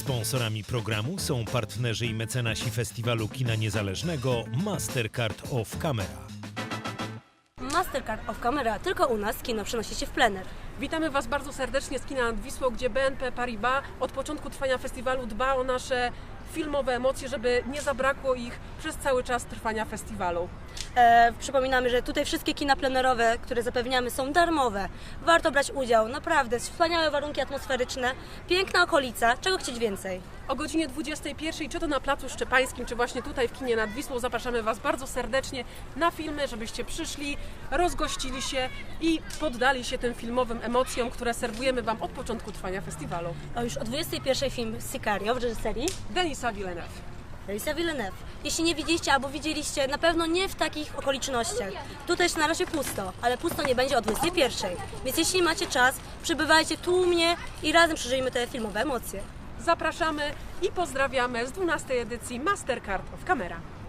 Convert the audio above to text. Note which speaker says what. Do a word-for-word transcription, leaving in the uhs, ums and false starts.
Speaker 1: Sponsorami programu są partnerzy i mecenasi Festiwalu Kina Niezależnego Mastercard of Camera.
Speaker 2: Mastercard of Camera, tylko u nas kino przenosi się w plener.
Speaker 3: Witamy Was bardzo serdecznie z Kina nad Wisłą, gdzie B N P Paribas od początku trwania festiwalu dba o nasze filmowe emocje, żeby nie zabrakło ich przez cały czas trwania festiwalu.
Speaker 2: E, przypominamy, że tutaj wszystkie kina plenerowe, które zapewniamy, są darmowe. Warto brać udział, naprawdę, wspaniałe warunki atmosferyczne, piękna okolica, czego chcieć więcej?
Speaker 3: O godzinie dwudziestej pierwszej, czy to na Placu Szczepańskim, czy właśnie tutaj w Kinie nad Wisłą, zapraszamy Was bardzo serdecznie na filmy, żebyście przyszli, rozgościli się i poddali się tym filmowym emocjom, które serwujemy Wam od początku trwania festiwalu.
Speaker 2: O, już o dwudziestej pierwszej film Sicario w reżyserii
Speaker 3: Denisa Villeneuve.
Speaker 2: Denisa Villeneuve. Jeśli nie widzieliście albo widzieliście, na pewno nie w takich okolicznościach. Tutaj jest na razie pusto, ale pusto nie będzie o dwudziestej pierwszej. Więc jeśli macie czas, przybywajcie tłumnie i razem przeżyjmy te filmowe emocje.
Speaker 3: Zapraszamy i pozdrawiamy z dwunastej edycji Mastercard of Camera.